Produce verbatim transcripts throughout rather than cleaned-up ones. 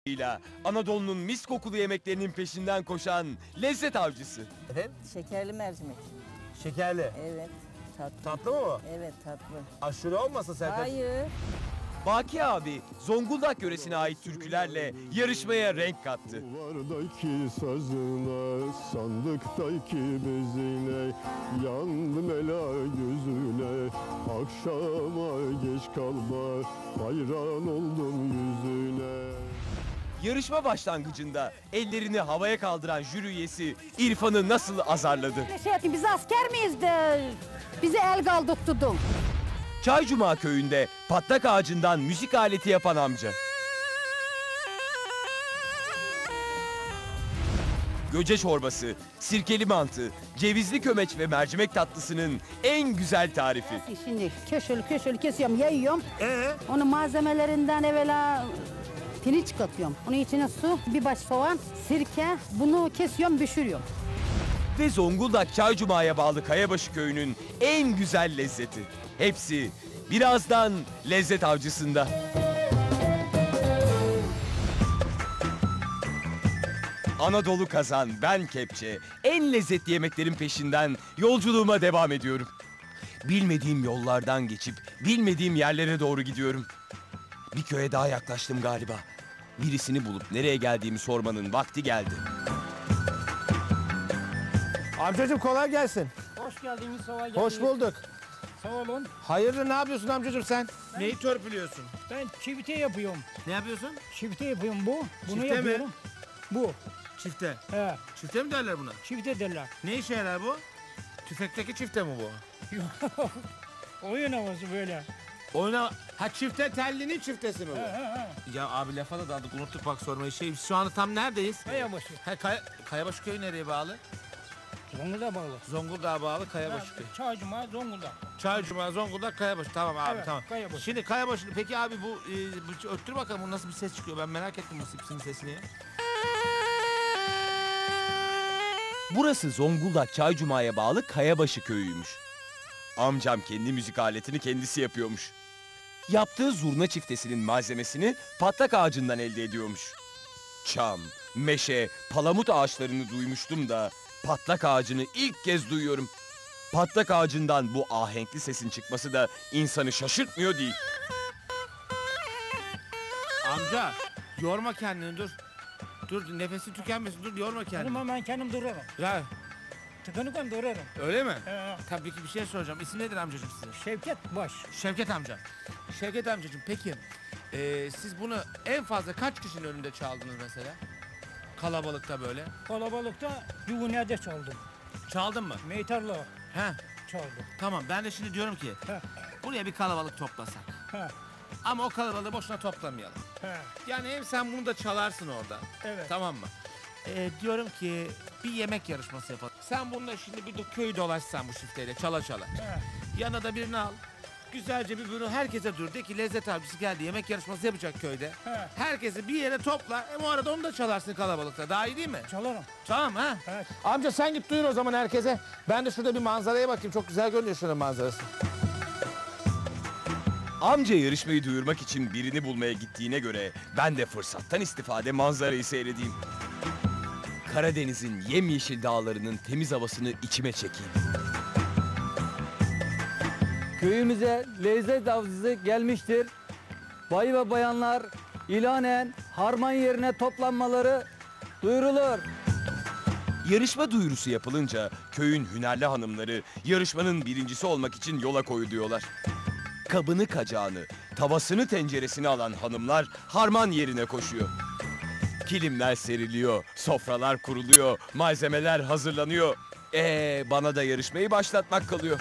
ile Anadolu'nun mis kokulu yemeklerinin peşinden koşan lezzet avcısı. Efendim? Şekerli mercimek. Şekerli. Evet. Tatlı. Tatlı mı bu? Evet tatlı. Aşırı olmasın Serkan? Hayır. Baki abi Zonguldak yöresine ait türkülerle yarışmaya renk kattı. Duvardaki sazına, sandıktaki bezine, yandım ela yüzüne, akşama geç kalma, hayran oldum yüzüne. Yarışma başlangıcında ellerini havaya kaldıran jüri üyesi İrfan'ı nasıl azarladı? Şey ettin, biz asker miyiz de bizi el kaldırttırdın. Çaycuma köyünde patlak ağacından müzik aleti yapan amca. Göce çorbası, sirkeli mantı, cevizli kömeç ve mercimek tatlısının en güzel tarifi. Şimdi köşeli köşeli kesiyorum, yayıyorum. Ee? Onun malzemelerinden evvela pirinç katıyorum. Onun içine su, bir baş soğan, sirke. Bunu kesiyorum, pişiriyorum. Ve Zonguldak Çaycuma'ya bağlı Kayabaşı köyünün en güzel lezzeti. Hepsi birazdan lezzet avcısında. Anadolu kazan, ben kepçe. En lezzetli yemeklerin peşinden yolculuğuma devam ediyorum. Bilmediğim yollardan geçip bilmediğim yerlere doğru gidiyorum. Bir köye daha yaklaştım galiba. Birisini bulup nereye geldiğimi sormanın vakti geldi. Amcacığım kolay gelsin. Hoş geldiniz, sava geldiniz. Hoş bulduk. Sağ olun. Hayırdır, ne yapıyorsun amcacığım sen? Neyi törpülüyorsun? Ben çifte yapıyorum. Ne yapıyorsun? Çifte yapıyorum bu. Bunu Çifte mi? yapıyorum. Bu. Çifte. He. Çifte mi derler buna? Çifte derler. Ne işe yarar bu? Tüfekteki çifte mi bu? Oyun havası böyle. Oyna... Ha çifte tellinin çiftesi mi He bu? he he. Ya abi lafa da daldık, unuttuk bak sormayı. Şey, şu anda tam neredeyiz? Kayabaşı. Ha, Kaya... Kayabaşı köyü nereye bağlı? Zonguldak'a bağlı. Zonguldak'a bağlı Kayabaşı köyü. Çağcuma, Zonguldak. Çaycuma, Zonguldak, Kayabaşı. Tamam abi, Evet, tamam. Kayabaşı. Şimdi Kayabaşı, peki abi bu, e, bu öttür bakalım, bu nasıl bir ses çıkıyor? Ben merak ettim bu sipsinin sesini. Burası Zonguldak Çaycuma'ya bağlı Kayabaşı köyüymüş. Amcam kendi müzik aletini kendisi yapıyormuş. Yaptığı zurna çiftesinin malzemesini patlak ağacından elde ediyormuş. Çam, meşe, palamut ağaçlarını duymuştum da patlak ağacını ilk kez duyuyorum. Patlak ağacından bu ahenkli sesin çıkması da insanı şaşırtmıyor değil. Amca, yorma kendini, dur. Dur, nefesi tükenmesin, dur, yorma Benim kendini. hemen kendim durarım. Ya, Tıkanıkken durarım. öyle mi? He. Tabii ki bir şey soracağım. İsim nedir amcacığım sizin? Şevket Baş. Şevket amca. Şevket amcacığım, peki e, siz bunu en fazla kaç kişinin önünde çaldınız mesela? Kalabalıkta böyle. Kalabalıkta Yuvuner'de çaldım. Çaldın mı? Meytarla He, çaldım. tamam. Ben de şimdi diyorum ki He. buraya bir kalabalık toplasak. He. Ama o kalabalığı boşuna toplamayalım. He. Yani hem sen bunu da çalarsın orada. Evet. Tamam mı? Ee, diyorum ki bir yemek yarışması yapalım. Sen bununla şimdi bir de köyü dolaşsan bu çifteyle çala çala. He. Yanına da birini al. Güzelce bir bunu herkese dur. De ki lezzet avcısı geldi, yemek yarışması yapacak köyde. He. Herkesi bir yere topla. Hem o arada onu da çalarsın kalabalıkta. Daha iyi değil mi? Çalarım. Tamam ha? Evet. Amca sen git duyur o zaman herkese. Ben de şurada bir manzaraya bakayım. Çok güzel görünüyor şuranın manzarası. Amca yarışmayı duyurmak için birini bulmaya gittiğine göre ben de fırsattan istifade manzarayı seyredeyim. Karadeniz'in yemyeşil dağlarının temiz havasını içime çekeyim. Köyümüze lezzet avcısı gelmiştir. Bay ve bayanlar ilanen harman yerine toplanmaları duyurulur. Yarışma duyurusu yapılınca köyün hünerli hanımları yarışmanın birincisi olmak için yola koyuluyorlar. Kabını kacağını, tavasını tenceresini alan hanımlar harman yerine koşuyor. Kilimler seriliyor, sofralar kuruluyor, malzemeler hazırlanıyor. Ee, bana da yarışmayı başlatmak kalıyor.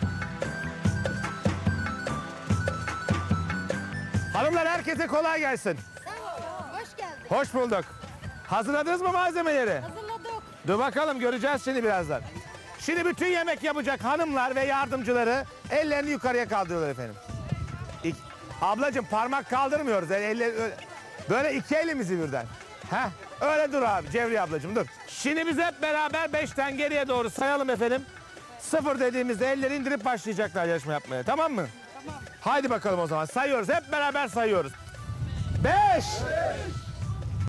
Hanımlar herkese kolay gelsin. Hoş geldin. Hoş bulduk. Hazırladınız mı malzemeleri? Hazırladık. Dur bakalım, göreceğiz şimdi birazdan. Şimdi bütün yemek yapacak hanımlar ve yardımcıları ellerini yukarıya kaldırıyorlar efendim. İk, ablacığım parmak kaldırmıyoruz. Yani eller, öyle- böyle iki elimizi birden. Heh, öyle dur abi Cevriye ablacığım, dur. Şimdi biz hep beraber beşten geriye doğru sayalım efendim. Sıfır dediğimizde elleri indirip başlayacaklar yarışma yapmaya, tamam mı? Tamam. Haydi bakalım o zaman sayıyoruz, hep beraber sayıyoruz. Beş. Beş.